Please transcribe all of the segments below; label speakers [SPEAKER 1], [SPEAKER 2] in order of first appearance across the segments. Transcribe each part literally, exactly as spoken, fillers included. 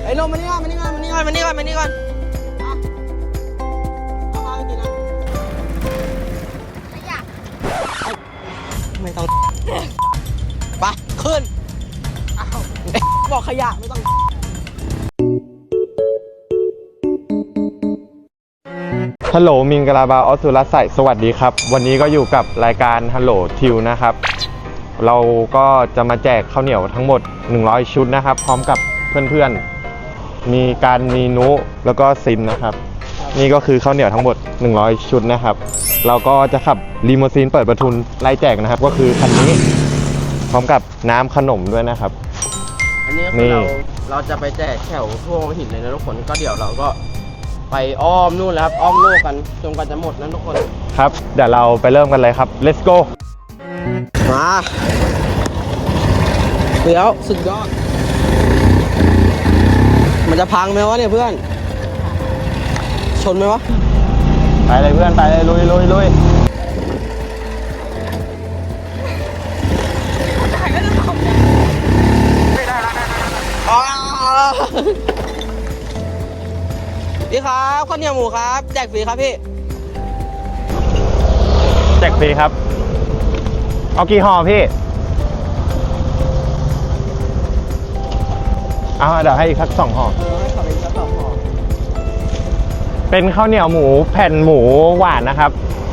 [SPEAKER 1] ไอ้ลมมานี่ก่อนมานี่ก่อนมานี่ก่อนมานี่ก่อนมานี่ก่อนเอาเอาข้าวไปกินนะขยะไม่ต้องไปขึ้นอ้าวบอกขยะไม่ต้อง
[SPEAKER 2] ฮัลโหลมิงกะลาบาออสุรใส่สวัสดีครับวันนี้ก็อยู่กับรายการฮัลโหลทิวนะครับเราก็จะมาแจกข้าวเหนียวทั้งหมดหนึ่งร้อยชุดนะครับพร้อมกับเพื่อนๆมีการมีนุแล้วก็ซินนะครับนี่ก็คือข้าวเหนียวทั้งหมดหนึ่งร้อยชุดนะครับเราก็จะขับลีโมซีนเปิดประทุนไล่แจกนะครับก็คือคันนี้พร้อมกับน้ำขนมด้วยนะครับ
[SPEAKER 1] อันนี้คือเราเราจะไปแจกแถวทั่วหินเลยนะทุกคนก็เดี๋ยวเราก็ไปอ้อมนู่นแล้วครับอ้อมโลกกันจนกว่าจะหมดนะทุกคน
[SPEAKER 2] ครับเดี๋ยวเราไปเริ่มกันเลยครับ let's go
[SPEAKER 1] มาเดี๋ยวสุดยอดมันจะพังไหมวะเนี่ยเพื่อนชนไหมวะ
[SPEAKER 2] ไปเลยเพื่อนไปเลยลุยลุยลุย
[SPEAKER 1] พี่ครับข้าวเหนียวหมูครับแจกฟรีครับพี่
[SPEAKER 2] แจกฟรีครับเอากี่ห่อพี่เอาเดี๋ยวให้อีกสักสองห่อเป็นข้าวเหนียวหมูแผ่นหมูหวานนะครับ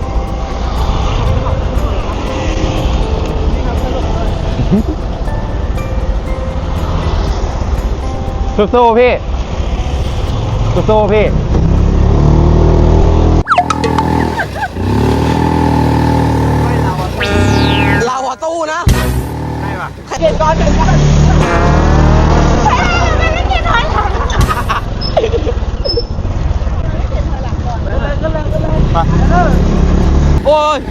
[SPEAKER 2] สู้ๆพี่สู้ๆพี่
[SPEAKER 1] เราอะตู้นะ
[SPEAKER 2] ใช่ป่ะ
[SPEAKER 1] เก็บก่อนเก็บก่อนไม่เก็บถอยหลังโอ้ย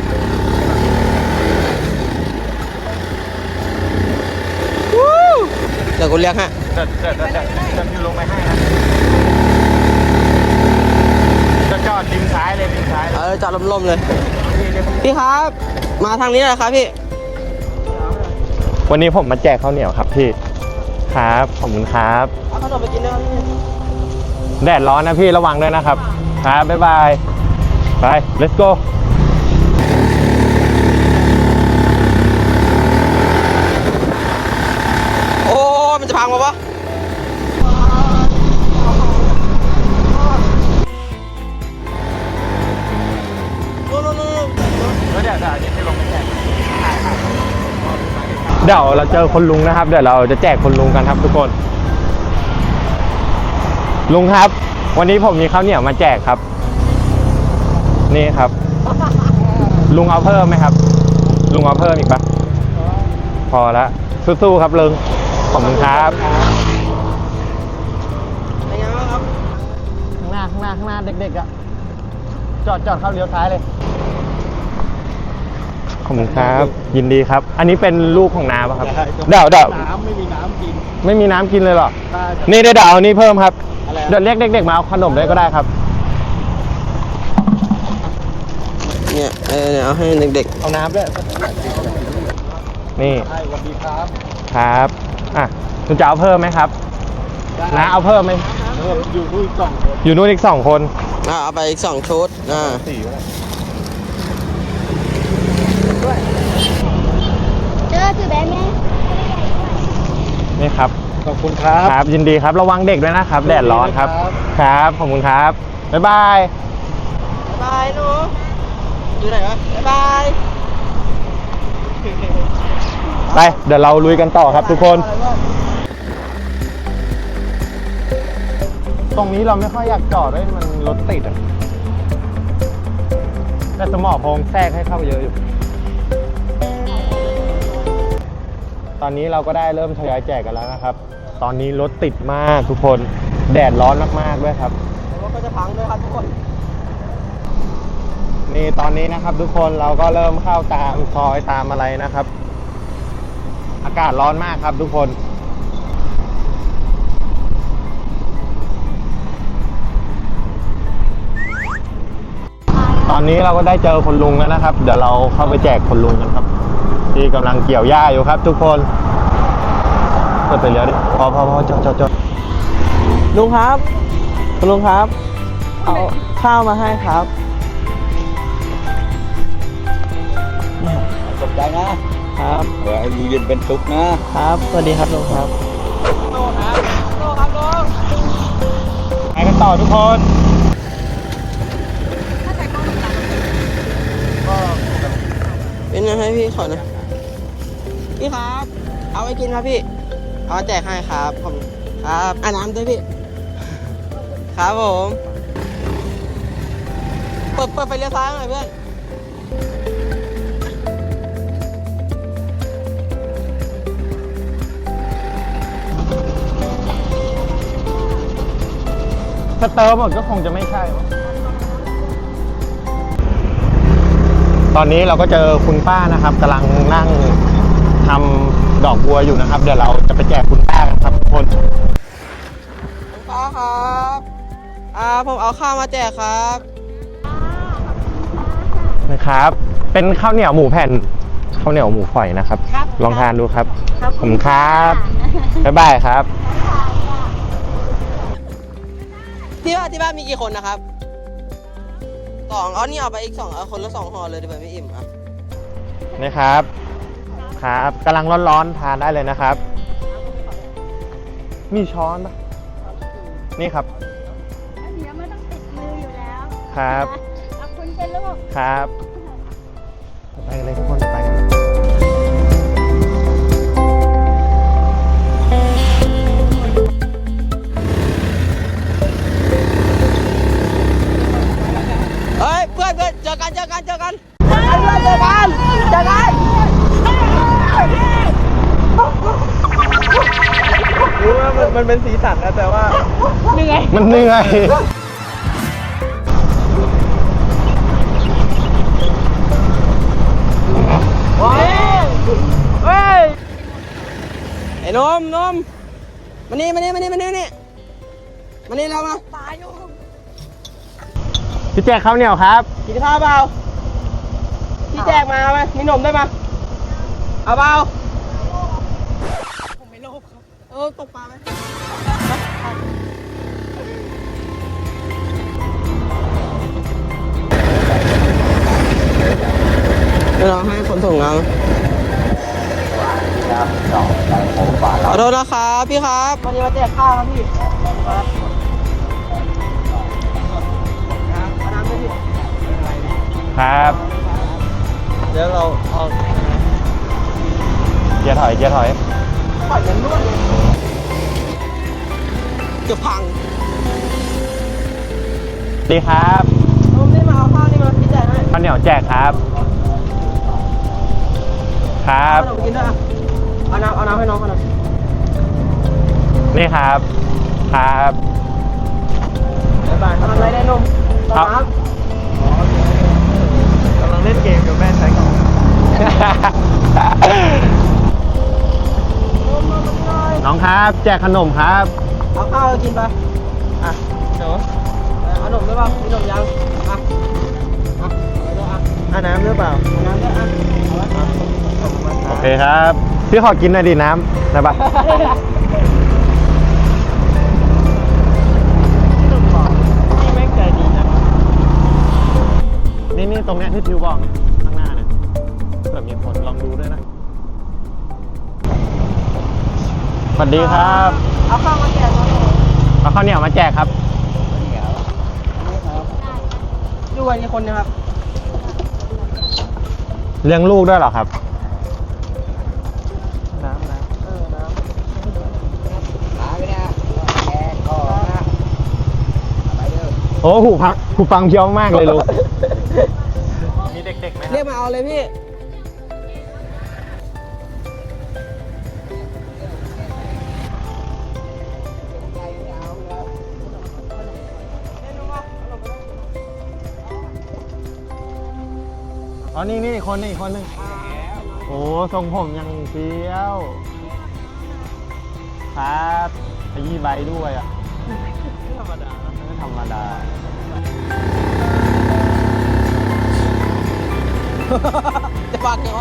[SPEAKER 1] เดี๋ยวกูเรียกฮะ
[SPEAKER 2] เดี๋ยวเดี๋ยวเดี๋ยวเดี๋ยวพี่ลงไปให้นะจะจอดริมซ้ายเลยริมซ้าย
[SPEAKER 1] เออจอดลมๆเลยพี่ครับมาทางนี้เลยครับพี่
[SPEAKER 2] วันนี้ผมมาแจกข้าวเหนียวครับพี่ครับขอบคุณครับ
[SPEAKER 1] เอาขนมไปกินด้วย
[SPEAKER 2] แดดร้อนนะพี่ระวังด้วยนะครับครับบ๊ายบายไป let's go
[SPEAKER 1] โอ้มันจะพังปะวะ
[SPEAKER 2] เดี๋ยวเราเจอคนลุงนะครับเดี๋ยวเราจะแจกคนลุงกันครับทุกคนลุงครับวันนี้ผมมีข้าวเหนียวมาแจกครับนี่ครับลุงเอาเพิ่มไหมครับลุงเอาเพิ่มอีกปะพอแล้วสู้ๆครับลุงขอบคุณครับ
[SPEAKER 1] เป็นยังไงครับ
[SPEAKER 2] ข้างหน้าข้างหน้าข้างหน้าเด็กๆอ่ะจอดจอดเข้าเลี้ยวซ้ายเลยขอบคุณครับยินดีครับอันนี้เป็นลูกของน้าป่ะครับเดี๋ยวเดี๋ยว
[SPEAKER 3] น้ำไม่มีน้ำกิน
[SPEAKER 2] ไม่มีน้ำกินเลยหรอนี่เดี๋ยวเอานี่เพิ่มครับเดี๋ยวเรียกเด็กๆมาเอาขนมเลยก็ได้ครับ
[SPEAKER 1] เนี่ยเออเนี่ยเอาให้เด็กๆ
[SPEAKER 2] เอาน้ำด้วยนี่
[SPEAKER 3] สวัสดีครับ
[SPEAKER 2] ครับอ่ะคุณจะเอาเพิ่มไหมครับน้าเอาเพิ่มไหม
[SPEAKER 3] อยู่นู่นอีกสองคน
[SPEAKER 2] อยู่นู่นอีกสองคน
[SPEAKER 1] อ่าเอาไปอีกสองชุดอ่า
[SPEAKER 4] เจอถือแบบนี้
[SPEAKER 2] นี่ครับ
[SPEAKER 3] ขอบคุณครับ
[SPEAKER 2] ครับยินดีครับระวังเด็กด้วยนะครับแดดร้อนครับครับขอบคุณครับบ๊ายบาย
[SPEAKER 1] บ๊ายบายหนูอยู่ไหนวะบ๊ายบาย
[SPEAKER 2] ไปเดี๋ยวเราลุยกันต่อครับทุกคนตรงนี้เราไม่ค่อยอยากจอดด้วยมันรถติดอ่ะแต่สมอพงแทรกให้เข้าเยอะอยู่ตอนนี้เราก็ได้เริ่มทยอยแจกกันแล้วนะครับตอนนี้รถติดมากทุกคนแดดร้อนมากๆด้วยครับ
[SPEAKER 1] รถก็จะพังด้วยครับทุกคน
[SPEAKER 2] นี่ตอนนี้นะครับทุกคนเราก็เริ่มเข้าตามซอยตามอะไรนะครับอากาศร้อนมากครับทุกคนตอนนี้เราก็ได้เจอคนลุงแล้วนะครับเดี๋ยวเราเข้าไปแจกคนลุงกันครับที่กำลังเกี่ยวหญ้าอยู่ครับทุกคนเปิดไปเลี้ยวดิพอพอพอจอดจอดจอด
[SPEAKER 5] ลุงครับคุณลุงครับ เอาข้าวมาให้ครับ
[SPEAKER 3] ขอบใจนะครับ เดี๋ยวให้อยู่เย็นเป็นสุขนะครับ
[SPEAKER 5] สวัสดีครับลุงครับ
[SPEAKER 2] ไปกันต่อทุกคน
[SPEAKER 1] เป็นไงให้พี่ขอหน่อยพี่ครับ เอาไว้กินครับพี่ เอาแจกให้ครับผมครับอ่าน้ำด้วยพี่ ครับผมเปิดเปิดไฟเลี้ยวซ้ายหน่อยเพื่อน
[SPEAKER 2] ถ้าเติมหมดก็คงจะไม่ใช่วะตอนนี้เราก็เจอคุณป้านะครับกำลังนั่งทำดอกบัวอยู่นะครับ เดี๋ยวเราจะไปแจกคุณป้ากันครับทุกคน
[SPEAKER 1] คุณป้าครับอ่าผมเอาข้าวมาแจกครับ
[SPEAKER 2] นะครับ เป็นข้าวเหนียวหมูแผ่นข้าวเหนียวหมูฝอยนะครับ ลองทานดูครับขอบคุณครับบ๊ายบายครับ
[SPEAKER 1] ที่บ้านที่บ้านมีกี่คนนะครับสองเอานี่เอาไปอีกสองเอาคนละสองห่อเลยเดี๋ยวไม่อิ่มอ่ะ
[SPEAKER 2] นี่ครับ ครับกำลังร้อนๆทานได้เลยนะครับ มีช้อนปะนี่ครับ
[SPEAKER 4] เดี๋ยวไม่ต้องติดมืออยู่แล้ว
[SPEAKER 2] ครับ
[SPEAKER 4] ขอบคุณเป็นลูก
[SPEAKER 2] ครับ ไปกันเลยทุกคนไปกัน
[SPEAKER 1] เฮ้ยเพื่อนเพื่อนเจอกันเจอกันเจอกันเจอกันเจอกันเจอกัน
[SPEAKER 5] รู้ว่ามันมันเป็นสีสันนะแต่ว่า
[SPEAKER 2] มันเหนื่อย
[SPEAKER 1] เฮ้ยไอ้นมนมมานี่มานี่มานี่มานี่นี่มานี่เรามา
[SPEAKER 2] พี่แจกข้าวเหนียวครับ
[SPEAKER 1] กินข้าวเปล่าพี่แจกมาเอาไหมมีนมได้ไหมเอาเปล่าผมไม่โลภครับเออตกปลาไหมเดี๋ยวเราให้คนส่งงานขอโทษนะครับพี่ครับวันนี้มาแจกข้าวครับพี่ครับเอาน้ำด้วยพี่
[SPEAKER 2] ครับ
[SPEAKER 5] เดี๋ยวเราเอา
[SPEAKER 2] เกียร์ถอย เกียร์ถอย
[SPEAKER 1] ปล่อยมันนวดเลยจะพัง
[SPEAKER 2] ดีครับ
[SPEAKER 1] นมนี่มาเอาข้าวนี่มาพี่แจกให้
[SPEAKER 2] ข้าวเหนียวแจกครับ ครับ
[SPEAKER 1] เอาขนมกินด้วยอ่ะเอาน้ำเอาน้ำให้น้องเขาหน่อย
[SPEAKER 2] นี่ครับ ครับ
[SPEAKER 1] บ๊ายบายทำอะไรได้นมต่อน้ำ
[SPEAKER 5] กำลังเล่นเกมกับแม่ใช้ก่อน
[SPEAKER 2] น้องครับ แจกขนมครับ
[SPEAKER 1] เอาข้าวกินไป
[SPEAKER 5] อ่ะเดี๋ยว
[SPEAKER 1] เอาขนมด้วยป่ะมีขนมยังอ่ะอ่ะเอาด้วยอ่ะ
[SPEAKER 5] อ่ะน้ำหรือเปล่า
[SPEAKER 1] เอาน้ำด้วยอ่ะเอาไว้อ่ะ
[SPEAKER 2] โอเคครับ พี่ขอกินหน่อยดิน้ำได้ปะ
[SPEAKER 5] นี่แม่งใจดีนะ
[SPEAKER 2] นี่นี่ตรงเนี้ยที่ทิวบอกเนี่ยข้างหน้าเนี่ยเผื่อมีคนลองดูด้วยนะ สวัสดีครับ
[SPEAKER 1] เอาข้าวมาแจกน้อง
[SPEAKER 2] เอาข้าวเหนียวมาแจกครับ
[SPEAKER 1] อยู่กันกี่คนเนะครับ
[SPEAKER 2] เลี้ยงลูกด้วยเหรอครับ
[SPEAKER 5] น้ำน้ำ
[SPEAKER 1] เออน้ำ
[SPEAKER 2] โอ้หูพักหูฟังเพี้ยวมากเลยลูก มีเด็กๆไหม
[SPEAKER 1] เรียกมาเอาเลยพี่
[SPEAKER 2] อ๋อ นี่นี่คนนี่คนหนึงโอ้ทรงผมยังเฟี้ยว ครับขยี้ใบด้วยอ่ะ
[SPEAKER 5] ธรรมดา
[SPEAKER 2] ไม่ธรรมดา
[SPEAKER 1] จะฝากเดี๋ยว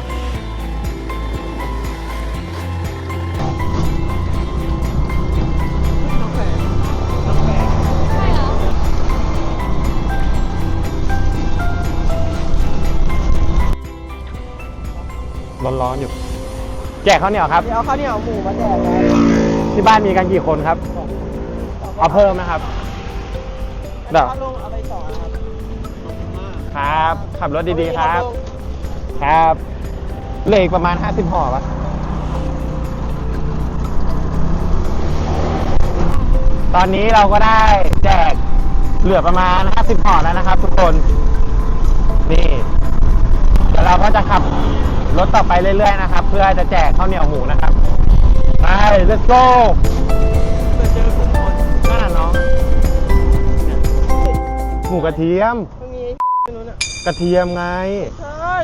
[SPEAKER 2] ร้อนๆอยู่ แจกข้าวเหนียวครับ
[SPEAKER 1] เดี๋ยวเอาข้าวเหนียวหมูมาแจกครับ
[SPEAKER 2] ที่บ้านมีกันกี่คนครับ เอาเพิ่มนะครับเดี๋ยว
[SPEAKER 1] ข้าวลุงเอาไปสองนะครับ
[SPEAKER 2] ครับ ขับรถดีๆครับ ครับเหลืออีกประมาณห้าสิบห่อปะตอนนี้เราก็ได้แจกเหลือประมาณห้าสิบห่อแล้วนะครับ ทุกคน นี่เดี๋ยวเราก็จะขับรถต่อไปเรื่อยๆนะครับ เพื่อจะแจกข้าวเหนียวหมูนะครับ ไป let's go
[SPEAKER 1] เจอคุณคน
[SPEAKER 2] นั่นน่ะน้อง หมูกระเทียม
[SPEAKER 1] มันมีไอ้นู้นอ่ะ
[SPEAKER 2] กระเทียมไง
[SPEAKER 1] ใช่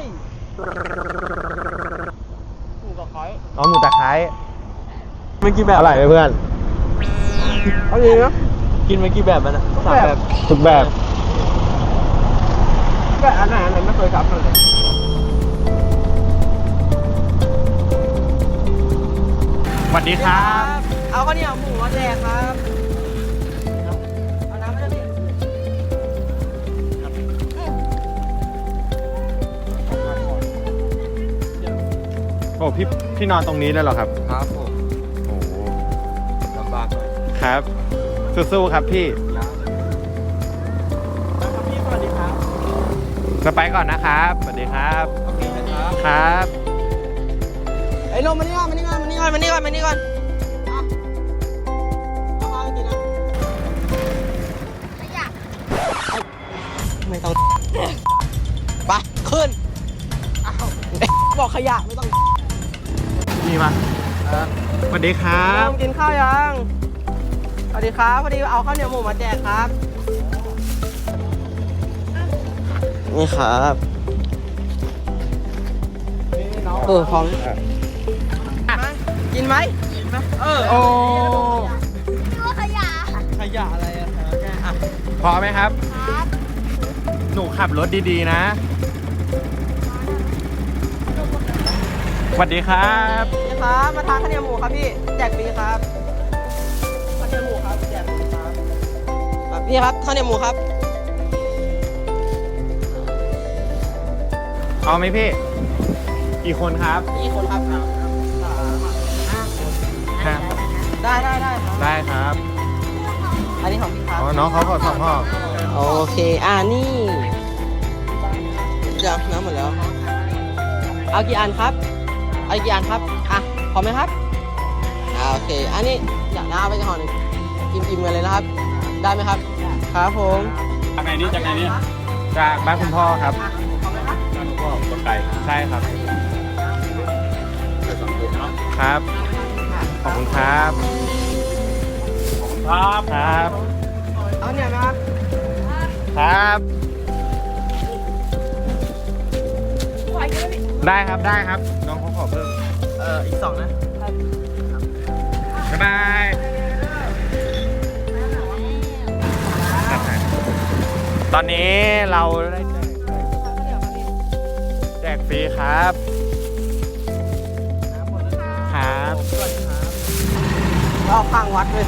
[SPEAKER 1] หมูกับไข่
[SPEAKER 2] อ๋อหมูตะไคร้
[SPEAKER 5] มันกี่แบบ
[SPEAKER 2] อร่อยไหมเพื่อน
[SPEAKER 1] เอาดีนะ
[SPEAKER 5] กินมากี่แบบมันอะสามแบบ
[SPEAKER 2] ทุกแบบ
[SPEAKER 1] แบบอันไหนอันไหนไม่เคยซับเลย
[SPEAKER 2] สวัสดีครับ
[SPEAKER 1] เอาข้าวเหนียวหมูมาแจกครับเอาน้ำมาด้วยพี่
[SPEAKER 2] โอ้พี่พี่นอนตรงนี้เลยเหรอครับ
[SPEAKER 3] ครับผม
[SPEAKER 2] โอ้โห
[SPEAKER 3] ลำบากหน่อย
[SPEAKER 2] ครับ สู้ๆครับพี่
[SPEAKER 1] พี่สวัสดีครับ
[SPEAKER 2] จะไปก่อนนะครับ สวัสดีครับ
[SPEAKER 3] โอเคนะครับ
[SPEAKER 2] ครับ
[SPEAKER 1] ไอ้นมมานี่ก่อนมานี่ก่อนมานี่ก่อนมานี่ก่อนมานี่ก่อนอ่ะเอาข้าวให้กินนะไม่ต้องไปขึ้นอ้าวบอกขยะไม่ต้อง
[SPEAKER 2] นี่มาสวัสดีครับ
[SPEAKER 1] นมกินข้าวยังสวัสดีครับพอดีเอาข้าวเหนียวหมูมาแจกครับนี่ครับเออพร้อมกินไหมกินไหมเออ
[SPEAKER 2] โอ้
[SPEAKER 4] ตัวขยะ
[SPEAKER 1] ขยะอะไรอะอ่ะ
[SPEAKER 2] พอไหมครับ
[SPEAKER 4] ครับ
[SPEAKER 2] หนูขับรถดีๆนะ สวัสดีครับ
[SPEAKER 1] นี่ครับมาทานข้าวเหนียวหมูครับพี่แจกฟรีครับข้าวเหนียวหมูครับแจกฟรีครับอ่ะพี่ครับข้าวเหนียวหมูครับ
[SPEAKER 2] เอาไหมพี่ กี่คนครับ
[SPEAKER 1] กี่คนครับ
[SPEAKER 2] ครับ
[SPEAKER 1] ได้ได้ได้ครับ
[SPEAKER 2] ได้ครับ
[SPEAKER 1] อันนี้ของพี่ครับ
[SPEAKER 2] อ๋อ น้องเขาขอสองห่อ
[SPEAKER 1] โอเคอ่านี่เดี๋ยวน้ำหมดแล้ว เอากี่อันครับเอากี่อันครับอ่ะพอไหมครับอ่าโอเคอันนี้อยากน้าเอาไปห่อหนึ่งอิ่มๆกันเลยนะครับ ได้ไหมครับครับผม
[SPEAKER 3] จากไหนนี่จากไหนนี่
[SPEAKER 2] จากบ้านคุณพ่อครับ
[SPEAKER 1] พอไหมครับ
[SPEAKER 3] ก็ต้นไก่
[SPEAKER 2] ใช่ครับ
[SPEAKER 3] เดี๋ยวสองคนเนาะ
[SPEAKER 2] ครับ ขอบคุณครับ
[SPEAKER 3] ครับ
[SPEAKER 2] ครับ
[SPEAKER 1] เอาเนี่ยนะครับ
[SPEAKER 2] ครับ ได้ครับ ได้ครับ น้องเขาขอเพิ่ม
[SPEAKER 1] เอ่ออีกสองนะ
[SPEAKER 2] บ๊ายบายตอนนี้เราได้แจกแจกฟรีครับ ครับ
[SPEAKER 1] ก็ข้างวัดเลย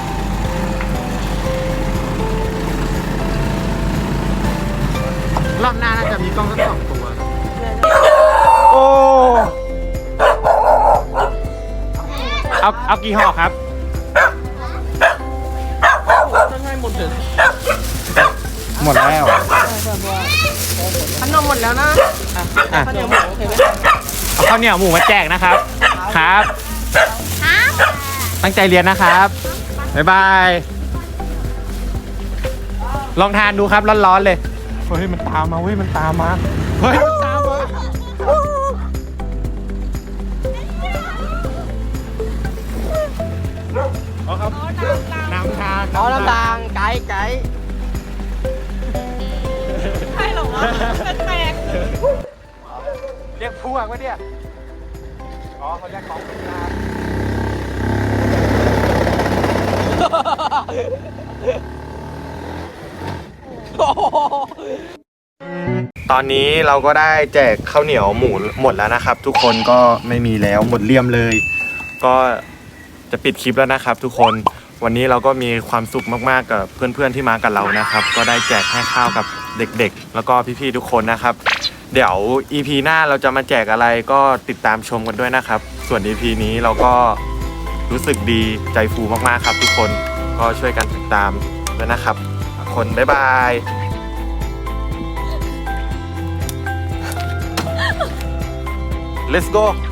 [SPEAKER 2] รอบหน้าน่าจะมีกล้องสักสองตัว โอ้ เอา เอากี่ห่อครับ
[SPEAKER 1] จะให้หมดเลย
[SPEAKER 2] หมดแล้ว
[SPEAKER 1] ขนมหมดแล้วนะอ่ะ
[SPEAKER 2] อ่ะ
[SPEAKER 1] ข้าวเหนียวหมูโอเคไหม
[SPEAKER 2] เอาข้าวเหนียวหมูมาแจกนะครับ ครับ
[SPEAKER 4] ครับ
[SPEAKER 2] ตั้งใจเรียนนะครับ บ๊ายบาย ลองทานดูครับร้อนๆเลย เฮ้ยมันตามมาเฮ้ยมันตามมา เฮ้ยมันตามมาเอาครับน้ำทาง
[SPEAKER 1] เอาน้ำตาลไก่ไก่
[SPEAKER 4] ใช่หรอวะแปลก
[SPEAKER 2] เรียกพวกวะเนี่ย อ๋อเขาเรียกของคุณตาตอนนี้เราก็ได้แจกข้าวเหนียวหมูหมดแล้วนะครับ ทุกคนก็ไม่มีแล้วหมดเลี่ยมเลย ก็จะปิดคลิปแล้วนะครับ ทุกคนวันนี้เราก็มีความสุขมากๆกับเพื่อนๆที่มากับเรานะครับ ก็ได้แจกให้ข้าวกับเด็กๆ แล้วก็พี่ๆทุกคนนะครับเดี๋ยว อี พี หน้าเราจะมาแจกอะไรก็ติดตามชมกันด้วยนะครับ ส่วน อี พี นี้เราก็รู้สึกดีใจฟูมากๆครับทุกคนก็ช่วยกันติดตามด้วยนะครับทุกคนบ๊ายบาย Let's go